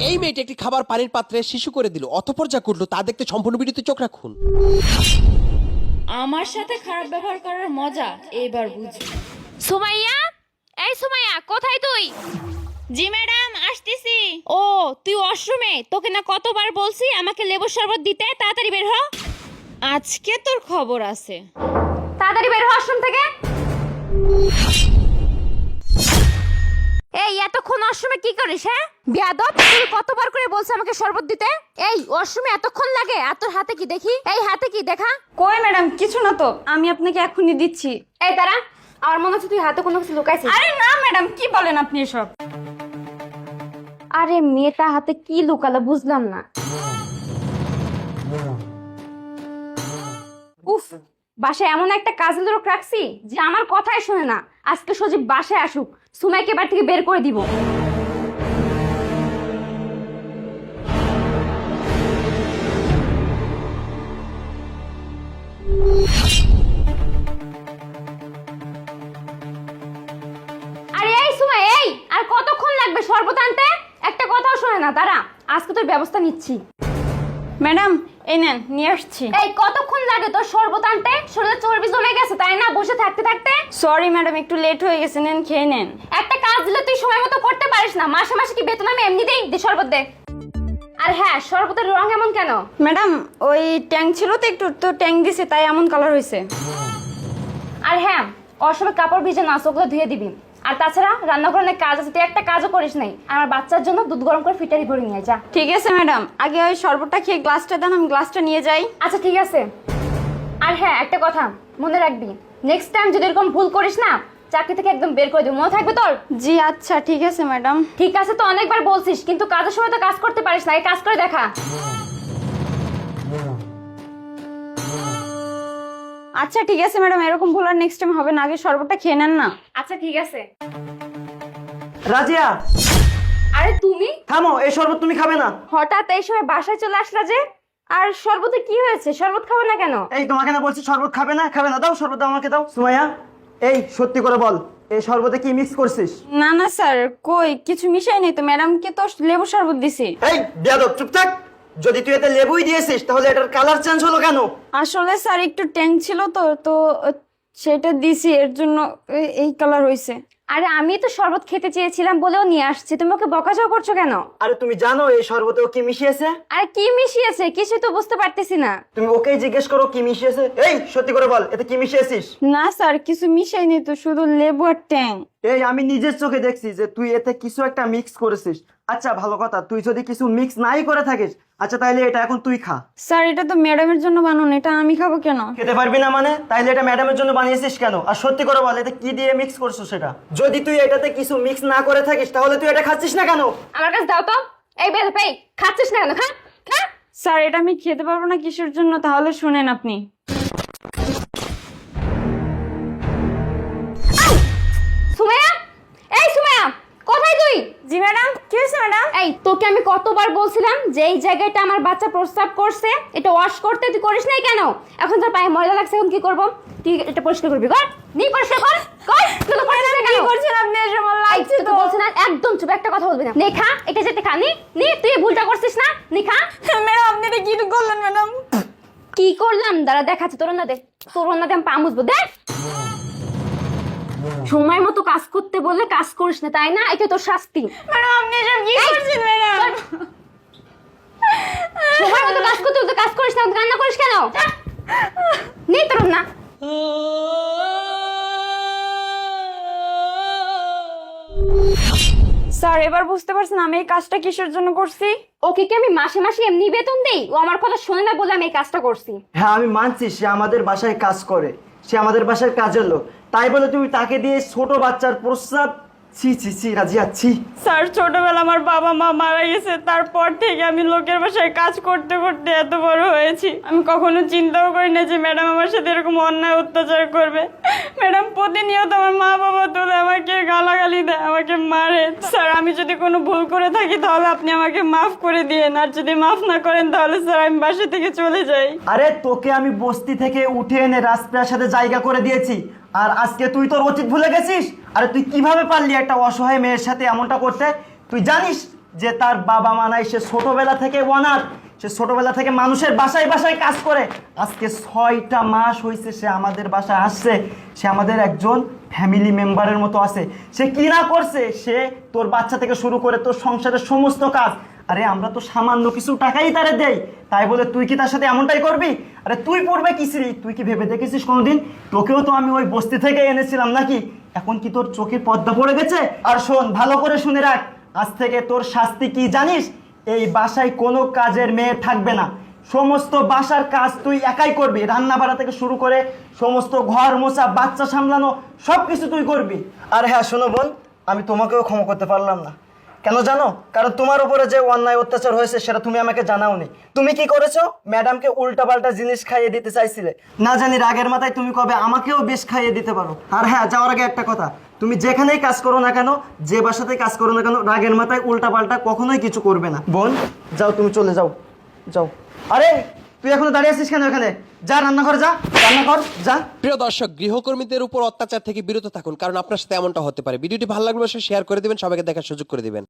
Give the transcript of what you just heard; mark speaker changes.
Speaker 1: এই মেয়েটি একটি খাবার পানির পাত্রে শিশু করে দিল, অতঃপর যা করলো তা দেখতে সম্পূর্ণ ভিডিওতে চোখ রাখুন।
Speaker 2: আমার সাথে খারাপ ব্যবহার করার মজা এবার বুঝো।
Speaker 3: সুমাইয়া, এই সুমাইয়া, কোথায় তুই?
Speaker 2: জি ম্যাডাম, আসতেছি। ও তুই ওয়াশরুমে? তোকে না কতবার বলছি আমাকে লেবুর শরবত দিতে, তাড়াতাড়ি বের হ। আজকে তোর খবর আছে।
Speaker 3: তাড়াতাড়ি বের হ ওয়াশরুম থেকে। এই এতক্ষণ ওয়াশরুমে কি করিস? হ্যাঁ বেয়াদব, তুই কতবার করে বলছ আমাকে শরবত দিতে? এই ওয়াশরুমে এতক্ষণ লাগে? আর তোর হাতে কি দেখি? এই হাতে কি দেখা?
Speaker 2: কই ম্যাডাম, কিছু না তো, আমি আপনাকে এখনই দিচ্ছি।
Speaker 3: এই তারা, আমার মনে হচ্ছে তুই হাতে কোনো কিছু লুকাইছিস।
Speaker 2: আরে না ম্যাডাম, কি বলেন আপনি এসব?
Speaker 3: আরে মেয়েটা হাতে কি লুকালো বুঝলাম না। উফ, বাসায় এমন একটা কাজের লোক রাখছি যে আমার কথাই শোনে না। আজকে সজীব বাসায় আসুক, সুমাইকে বাড়ি থেকে বের করে দিব। আরে এই সুমাই, এই আর কতক্ষণ লাগবে শরবত আনতে? একটা কথাও শোনে না। দাঁড়া, আজকে তোর ব্যবস্থা নিচ্ছি।
Speaker 2: ম্যাডাম এই নেন, নিয়ে আসছি।
Speaker 3: এই কতক্ষণ লাগে তোর শরবত আনতে? শরীরে চর্বি জমে গেছে তাই না, বসে থাকতে থাকতে?
Speaker 2: সরি ম্যাডাম, একটু লেট হয়ে গেছে, নেন খেয়ে নেন।
Speaker 3: একটা কাজ দিলে তুই সময় মতো করতে পারিস না? মাসে মাসে কি বেতন আমি এমনি দেই? দে শরবত দে। আর হ্যাঁ, শরবতের রং এমন কেন?
Speaker 2: ম্যাডাম ওই ট্যাং ছিল তো একটু, তো ট্যাং দিছে তাই এমন কালার হয়েছে।
Speaker 3: আর হ্যাঁ, অসময় কাপড় ভিজে না, ওগুলো ধুয়ে দিবি। আর তাছাড়া রান্নাঘরে অনেক কাজ আছে, তুই একটা কাজও করিস নাই। আমার বাচ্চার জন্য দুধ গরম করে ফিটারি ভরে নিয়ে যা।
Speaker 2: ঠিক আছে ম্যাডাম, আগে ওই শরবতটা খেয়ে গ্লাসটা দেন, আমি গ্লাসটা নিয়ে যাই।
Speaker 3: আচ্ছা ঠিক আছে। আর হ্যাঁ, একটা কথা মনে রাখবি, নেক্সট টাইম যদি এরকম ভুল করিস না, চাকরি থেকে একদম বের করে দিবি, মনে থাকবে তোর?
Speaker 2: জি আচ্ছা ঠিক আছে ম্যাডাম।
Speaker 3: ঠিক আছে তো অনেকবার বলছিস, কিন্তু কাজের সময় তো কাজ করতে পারিস না। এই কাজ করে দেখা।
Speaker 2: আচ্ছা ঠিক আছে ম্যাডাম, এরকম ভুল আর নেক্সট টাইম হবে না। আগে শরবতটা খেয়ে নেন না।
Speaker 3: আচ্ছা ঠিক আছে।
Speaker 4: রাজিয়া,
Speaker 3: আরে তুমি
Speaker 4: থামো, এই শরবত তুমি খাবে না।
Speaker 3: হঠাৎ এই সময় বাসায় চলে আসলা যে? আর শরবতে কি হয়েছে? শরবত খাবে না কেন?
Speaker 4: এই তোমাকে না বলছি শরবত খাবে না, খাবে না, দাও শরবত দাও, আমাকে দাও। সুমাইয়া, এই সত্যি করে বল, এই শরবতে কি মিক্স করছিস?
Speaker 2: না না স্যার, কই কিছু মিশাই নেই তো, ম্যাডামকে তো লেবু শরবত দিছি।
Speaker 4: এই বেয়াদব, চুপ থাক। যদি তুই এতে লেবুই দিয়েছিস তাহলে এটার কালার চেঞ্জ হলো কেন?
Speaker 2: আসলে স্যার একটু ট্যাং ছিল তো তো সেটা দিছি, এর জন্য এই কালার হয়েছে।
Speaker 3: আরে আমি তো শরবত খেতে চেয়েছিলাম বলেও নিয়ে আসছি, তুমি ওকে বকাঝকা করছো কেন?
Speaker 4: আরে তুমি জানো এই শরবতেও কি মিশিয়েছে?
Speaker 3: আরে কি মিশিয়েছে কিছুই তো বুঝতে পারতেছি না।
Speaker 4: তুমি ওকেই জিজ্ঞেস করো কি মিশিয়েছে। এই সত্যি করে বল, এতে কি মিশিয়েছিস?
Speaker 2: না স্যার, কিছু মিশাই নেই তো, শুধু লেবু আর ট্যাং।
Speaker 4: এই আমি নিজের চোখে দেখছি যে তুই এতে কিছু একটা মিক্স করেছিস। আচ্ছা ভালো কথা, তুই যদি কিছু মিক্স নাই করে থাকিস, আচ্ছা তাইলে এটা এখন তুই খা।
Speaker 2: স্যার এটা তো ম্যাডামের জন্য বানানো, এটা আমি খাবো কেন?
Speaker 4: খেতে পারবি না মানে? তাইলে এটা ম্যাডামের জন্য বানিয়েছিস কেন? আর সত্যি করে বল, এতে কি দিয়ে মিক্স করছো সেটা? যদি তুই এটাতে কিছু মিক্স না করে থাকিস তাহলে তুই এটা খাচ্ছিস না কেন?
Speaker 3: আমার কাছে দাও তো। এই বের পেই, খাচ্ছিস না কেন? খা খা।
Speaker 2: স্যার এটা আমি খেতে পারবো না কিসের জন্য, তাহলে শুনেন আপনি।
Speaker 3: সুমাইয়া, এই সুমাইয়া, কোথায় তুই?
Speaker 2: জি ম্যাডাম, কি হয়েছে ম্যাডাম?
Speaker 3: এই তোকে আমি কতবার বলছিলাম যে এই জায়গাটা আমার বাচ্চা প্রস্রাব করছে, এটা ওয়াশ করতে, তুই করিস নাই কেন? এখন তোর পায়ে ময়লা লাগছে, এখন কি করব? তুই এটা পরিষ্কার করবি, কর। নি পরিষ্কার কর, কর। তুই তো করিস না কেন?
Speaker 2: কি করছেন আপনি? এসব আমার
Speaker 3: এই
Speaker 2: লাগছে
Speaker 3: তোকে
Speaker 2: তো।
Speaker 3: বলছি না, একদম চুপ, একটা কথা বলবি না। নে খা, এটা যেতে খা। নি নি, তুই এই ভুলটা করছিস না, নি খা।
Speaker 2: ম্যাডাম আপনি এটা কি করলেন ম্যাডাম?
Speaker 3: কি করলাম দাঁড়া দেখাচ্ছি। তোর না দে, তোর না দে, আমি পা মুছবো। দেখ, সময় মতো কাজ করতে বললে কাজ করিস না তাই না? এটা তোর শাস্তি।
Speaker 2: ম্যাডাম আপনি এসব কি করছেন ম্যাডাম?
Speaker 3: সময় মতো কাজ করতে বলতে কাজ করিস না, কান্না করিস কেন? নি তোর না।
Speaker 2: স্যার এবার বুঝতে পারছেন আমি এই কাজটা কিসের জন্য করছি?
Speaker 3: ওকে কি আমি মাসে মাসে এমনি বেতন দেই? ও আমার কথা শোনে না বলে আমি এই কাজটা করছি।
Speaker 4: হ্যাঁ আমি মানছি সে আমাদের বাসায় কাজ করে, সে আমাদের বাসায় কাজের লোক, তাই বলে তুমি তাকে দিয়ে ছোট বাচ্চার প্রস্রাব? ছি ছি ছি রাজিয়া, ছি।
Speaker 2: স্যার ছোটবেলা আমার বাবা মা মারা গেছে, তারপর থেকে আমি লোকের বাসায় কাজ করতে করতে এত বড় হয়েছি। আমি কখনো চিন্তাও করি না যে ম্যাডাম আমার সাথে এরকম অন্যায় অত্যাচার করবে। ম্যাডাম প্রতিনিয়ত আমার মা বাবা তুলে আমাকে গালাগালি দেয়, আমাকে মারে। স্যার আমি যদি কোনো ভুল করে থাকি তাহলে আপনি আমাকে মাফ করে দিয়েন, আর যদি মাফ না করেন তাহলে স্যার আমি বাসা থেকে চলে যাই।
Speaker 4: আরে তোকে আমি বস্তি থেকে উঠে এনে রাজপ্রাসাদে জায়গা করে দিয়েছি, আর আজকে তুই তোর অতীত ভুলে গেছিস? আরে তুই কিভাবে পারলি একটা অসহায় মেয়ের সাথে এমনটা করতে? তুই জানিস যে তার বাবা মা নাই, সে ছোটবেলা থেকে অনাথ, সে ছোটবেলা থেকে মানুষের বাসায় বাসায় কাজ করে। আজকে 6টা মাস হয়েছে সে আমাদের বাসায় আসছে, সে আমাদের একজন ফ্যামিলি মেম্বারের মতো আছে। সে কি না করছে, সে তোর বাচ্চা থেকে শুরু করে তোর সংসারের সমস্ত কাজ। আরে আমরা তো সামান্য কিছু টাকাই তারে দেই, তাই বলে তুই কি তার সাথে এমনটাই করবি? আরে তুই পড়বে কিসিরি, তুই কি ভেবে দেখেছিস কোনোদিন? তোকেও তো আমি ওই বস্তি থেকে এনেছিলাম নাকি? এখন কি তোর চোখের পর্দা পড়ে গেছে? আর শোন, ভালো করে শুনে রাখ, আজ থেকে তোর শাস্তি কি জানিস? এই বাসায় কোনো কাজের মেয়ে থাকবে না, সমস্ত বাসার কাজ তুই একাই করবি। রান্না বাড়া থেকে শুরু করে সমস্ত ঘর মোছা, বাচ্চা সামলানো, সব কিছু তুই করবি। আর হ্যাঁ শোনো বোন, আমি তোমাকেও ক্ষমা করতে পারলাম না। কেন জানো? কারণ তোমার উপরে যে অন্যায় অত্যাচার হয়েছে সেটা তুমি আমাকে জানাওনি। তুমি কি করেছো? ম্যাডামকে উল্টাপাল্টা জিনিস খাইয়ে দিতে চাইছিলে। না জানি রাগের মাথায় তুমি কবে আমাকেও বেশ খাইয়ে দিতে পারো। আর হ্যাঁ, যাওয়ার আগে একটা কথা, তুমি যেখানেই কাজ করো না কেন, যে বাসাতেই কাজ করো না কেন, রাগের মাথায় উল্টাপাল্টা কখনোই কিছু করবে না। বোন যাও, তুমি চলে যাও, যাও। আরে তুই এখনো দাঁড়িয়ে আছিস কেন? এখানে যা, রান্নাঘর যা, রান্না কর যা।
Speaker 1: প্রিয় দর্শক, গৃহকর্মীদের উপর অত্যাচার থেকে বিরত থাকুন, কারণ আপনার সাথে এমনটা হতে পারে। ভিডিওটি ভালো লাগলে অবশ্যই শেয়ার করে দিবেন, সবাইকে দেখার সুযোগ করে দিবেন।